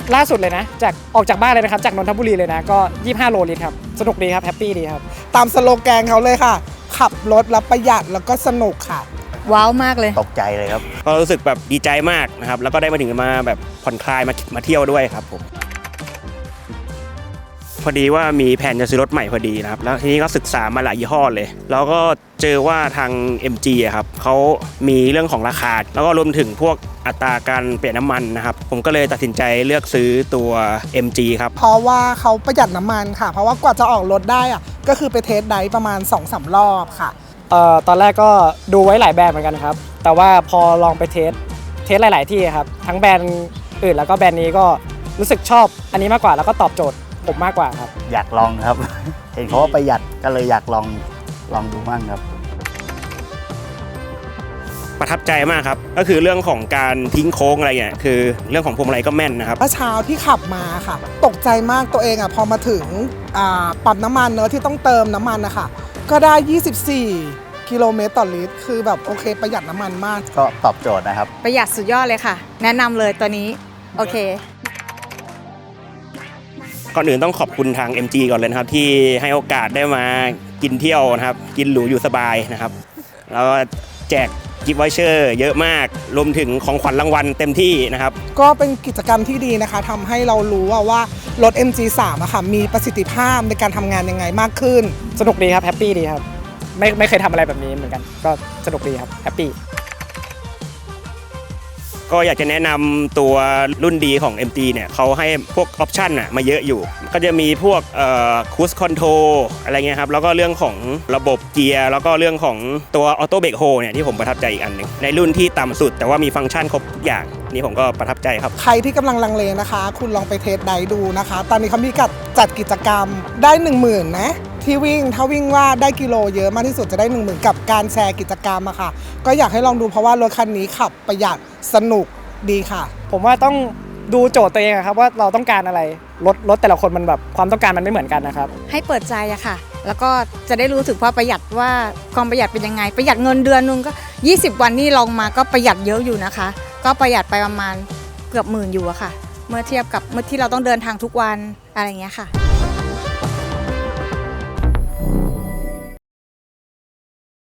ล่าสุดเลยนะจากออกจากบ้านเลยนะครับจากนนทบุรีเลยนะก็25โลลิตรครับสนุกดีครับแฮปปี้ดีครับตามสโลแกนเขาเลยค่ะขับรถแล้วประหยัดแล้วก็สนุกค่ะว้าวมากเลยตกใจเลยครับก็รู้สึกแบบดีใจมากนะครับแล้วก็ได้มาถึงมาแบบผ่อนคลายมาเที่ยวด้วยครับผมพอดีว่ามีแผนจะซื้อรถใหม่พอดีนะครับแล้วทีนี้ก็ศึกษามาหลายยี่ห้อเลยแล้วก็เจอว่าทาง MG อะครับเขามีเรื่องของราคาแล้วก็รวมถึงพวกอัตราการเปลี่ยนน้ำมันนะครับผมก็เลยตัดสินใจเลือกซื้อตัว MG ครับเพราะว่าเขาประหยัดน้ำมันค่ะเพราะว่ากว่าจะออกรถได้อะก็คือไปเทสไดฟ์ประมาณ 2-3 รอบค่ะตอนแรกก็ดูไว้หลายแบรนด์เหมือนกันครับแต่ว่าพอลองไปเทสหลายๆที่ครับทั้งแบรนด์อื่นแล้วก็แบรนด์นี้ก็รู้สึกชอบอันนี้มากกว่าแล้วก็ตอบโจทย์ผมมากกว่าครับอยากลองครับ เห็นเขาว่าประหยัดก็เลยอยากลองดูบ้างครับประทับใจมากครับก็คือเรื่องของการทิ้งโค้งอะไรเงี้ยคือเรื่องของพวงมาลัยก็แม่นนะครับเมื่อเช้าที่ขับมาค่ะตกใจมากตัวเองอ่ะพอมาถึงปั๊มน้ำมันเนอะที่ต้องเติมน้ำมันนะคะก็ได้24กิโลเมตรต่อลิตรคือแบบโอเคประหยัดน้ำมันมากก็ตอบโจทย์นะครับประหยัดสุดยอดเลยค่ะแนะนำเลยตัวนี้โอเคก่อนอื่นต้องขอบคุณทาง MG ก่อนเลยนะครับที่ให้โอกาสได้มากินเที่ยวนะครับกินหรูอยู่สบายนะครับแล้วแจกกิฟต์วอเชอร์เยอะมากรวมถึงของขวัญรางวัลเต็มที่นะครับก็เป็นกิจกรรมที่ดีนะคะทำให้เรารู้ว่ารถ MG3 อะค่ะมีประสิทธิภาพในการทำงานยังไงมากขึ้นสนุกดีครับแฮปปี้ดีครับไม่เคยทำอะไรแบบนี้เหมือนกันก็สนุกดีครับแฮปปี้ก็อยากจะแนะนำตัวรุ่นดีของ MG เนี่ยเขาให้พวกออปชั่นมาเยอะอยู่ก็จะมีพวกครูซคอนโทรลอะไรเงี้ยครับแล้วก็เรื่องของระบบเกียร์แล้วก็เรื่องของตัวออโต้เบรกโฮเนี่ยที่ผมประทับใจอีกอันหนึ่งในรุ่นที่ต่ำสุดแต่ว่ามีฟังก์ชันครบทุกอย่างนี่ผมก็ประทับใจครับใครที่กำลังลังเลนะคะคุณลองไปเทสไดฟ์ดูนะคะตอนนี้เขามีจัดกิจกรรมได้ 10,000 นะที่วิ่งถ้าวิ่งว่าได้กิโลเยอะมากที่สุดจะได้ 10,000 กับการแชร์กิจกรรมอะค่ะก็อยากให้ลองดูเพราะว่ารถคันนี้ขับประหยัดสนุกดีค่ะผมว่าต้องดูโจทย์ตัวเองครับว่าเราต้องการอะไรรถแต่ละคนมันแบบความต้องการมันไม่เหมือนกันนะครับให้เปิดใจอะค่ะแล้วก็จะได้รู้สึกว่าประหยัดว่าความประหยัดเป็นยังไงประหยัดเงินเดือนนึงก็20วันนี่ลองมาก็ประหยัดเยอะอยู่นะคะก็ประหยัดไปประมาณเกือบ10,000อยู่อะค่ะเมื่อเทียบกับเมื่อที่เราต้องเดินทางทุกวันอะไรอย่างเงี้ยค่ะ